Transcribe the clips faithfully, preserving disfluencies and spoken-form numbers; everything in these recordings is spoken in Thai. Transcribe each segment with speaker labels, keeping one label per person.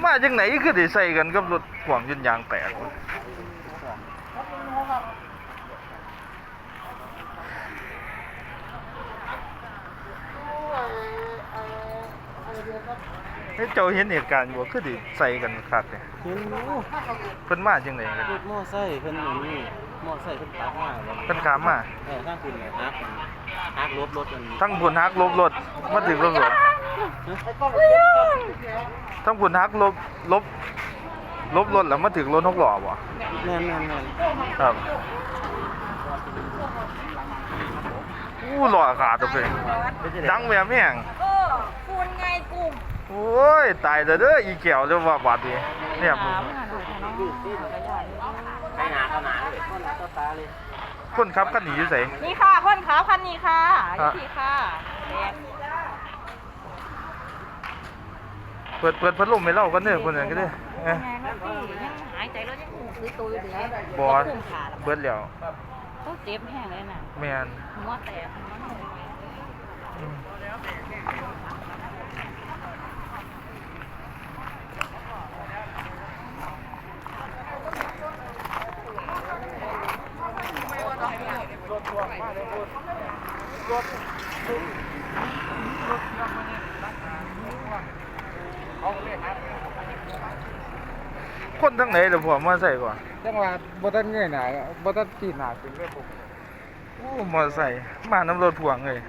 Speaker 1: มาจังไหนคือได้ใส่กันกับรถพ่วงจนยางแตกวะเฮ้ยเจ้าเห็นเหตุการณ์บ่คือได้ใส่กันคักเนี่ย
Speaker 2: เห็นอยู่
Speaker 1: เพิ่นมาจังไหนกัน
Speaker 2: รถมอไซค์เพิ่นอยู่นี่มอไซค์เพิ่นขับมาแล้ว
Speaker 1: เพิ่นขามมา
Speaker 2: เออทางคุณเนี่ยฮักฮักรถรถมัน
Speaker 1: ทั้งพุ่นฮักลบรถมาถึงรถหลวงทั้งพุ่นฮักลบลบลบรถแล้วมาถึงรถหกล้อบ่
Speaker 2: แม่นแม่นแม่น
Speaker 1: ครับอู้หล่อขาดตัวเองดังแบบแม่ง
Speaker 3: เออคุณไงกลุ่ม
Speaker 1: โอ้ยตายแล้วเด้ออีแก้วเด้อว่าบาดนี้เนี่ยมึง
Speaker 2: ไปหนาขนาดเลยต่อตาเลย
Speaker 1: คนขับคันนี้อยู่ไส
Speaker 3: นี่ค่ะคนขาพันนี่ค่ะยี่สี่ค่ะแดง
Speaker 1: เปิดเปิดพัดลมให้เรากันเด้อคนนั้นก็เด้อเอ้ย
Speaker 3: ไงแล้วพี่ยังหายใจแล้วยังหูซื้อตัวอยู่เลย
Speaker 1: บ่
Speaker 3: กลุ่มขา
Speaker 1: เบิดแล้ว
Speaker 3: ต้องเจ็บแห้งเลยน่ะ
Speaker 1: แม่น
Speaker 3: หัวแตกหัวหนู
Speaker 1: อืมคนทั้งไหนเดี๋ยวผมมาใส่ก่อน
Speaker 2: จังหวะบ่ทันเงยหน้าบ่ทันตีหน้าขึ้นเลยผม
Speaker 1: โอ้มอใส่มาน้ำรถพ่วงเลย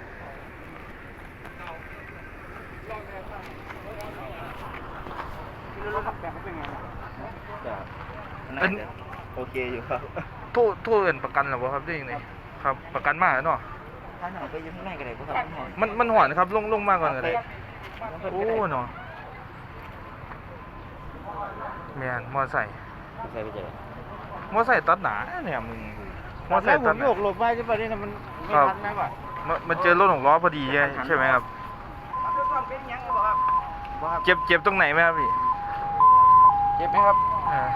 Speaker 2: รถขับแบบเขาเป็นไงจ้ะ
Speaker 1: อัน
Speaker 2: โอเคอยู่ครับ
Speaker 1: โทษโทษเอินประกันหรอวะครับได้ยังไงครับประกันมาแล้วเนาะ
Speaker 2: ถ้าหน่อยก็ยังไม่ก็ได้บ่ครับ
Speaker 1: มันมันหอนครับลงลงมาก่อนก็ได้โอ้เนาะแมนมอใส่
Speaker 2: ใส่ไปเจอ
Speaker 1: มอใส่ตัดหนาเนี่ยมึงมอใส่
Speaker 2: ผ
Speaker 1: ตัด
Speaker 2: ม
Speaker 1: ห
Speaker 2: โย
Speaker 1: นาก
Speaker 2: หลบไปที่ประเด็นมันไม่ทันนะว่ะ
Speaker 1: มันมันเจอรถหกล้อพอดีใช่ใช่ไหมครับเจ็บเจ็บตรงไหนไหมครับพี่
Speaker 2: เจ็บไหมครับ
Speaker 1: อ่า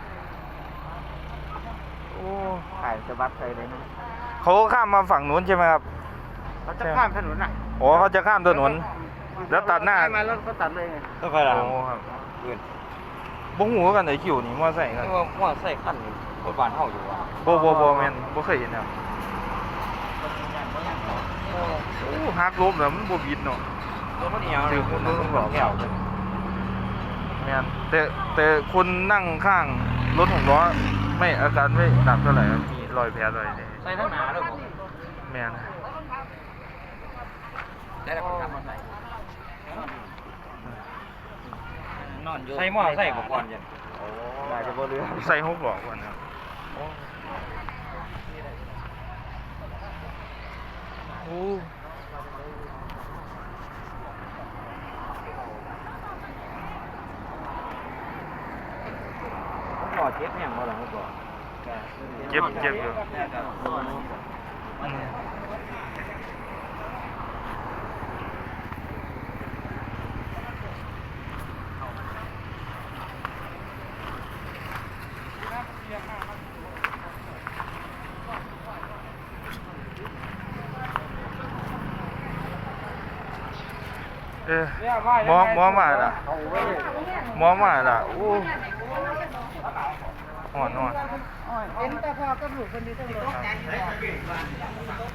Speaker 2: โอ้ถ่ายสะบัดใส่เลยนะ
Speaker 1: เขาข้ามมาฝั่งนู้นใช่ไหมครับ
Speaker 2: เขาจะข้ามถนนอ่ะ
Speaker 1: อ๋อเขาจะข้ามถนนแล้วตัดหน้า
Speaker 2: มาแล้วก็ตัดเลยไงก็ไป
Speaker 1: โอ้ครับบ่หูกันไหนคิวนี่มอใส่กัน
Speaker 2: ว่าว่าใส่ขั้นรถบานเฮาอยู่อ่ะ
Speaker 1: บ่บ่บ่แม่นบ่เคยเห็นครับโอ้ฮักลบแล้วมันบ่บิดเนาะ
Speaker 2: รถมันเหี่ยว
Speaker 1: ถือคนนู้นต้องบอก
Speaker 2: แก้ว
Speaker 1: แม่นแต่แต่คนนั่งข้างรถหกล้อไม่อาการไม่หนักเท่าไหร่ครับมีรอยแผลรอยนี่
Speaker 2: ใส่ทั้งหนาเลยผม
Speaker 1: แม่น
Speaker 2: ได้แล้วคนขับมาใส่นอนอยู่ใส่หม้อใส่อุปกรณ์ยันโอ้ได้จะบ่เรือ
Speaker 1: ใส่หกล้อก่อนครับโอ้
Speaker 2: หม้อเจ็บยังบ่ล่ะครับบ่
Speaker 1: เจ็บเจ็บอยู่อืมเออหมอหมอมาล่ะหมอมาล่ะโอ้อ่อนอ่อน
Speaker 3: เป็นแต่พอก็หลุดคนดีตรงนี้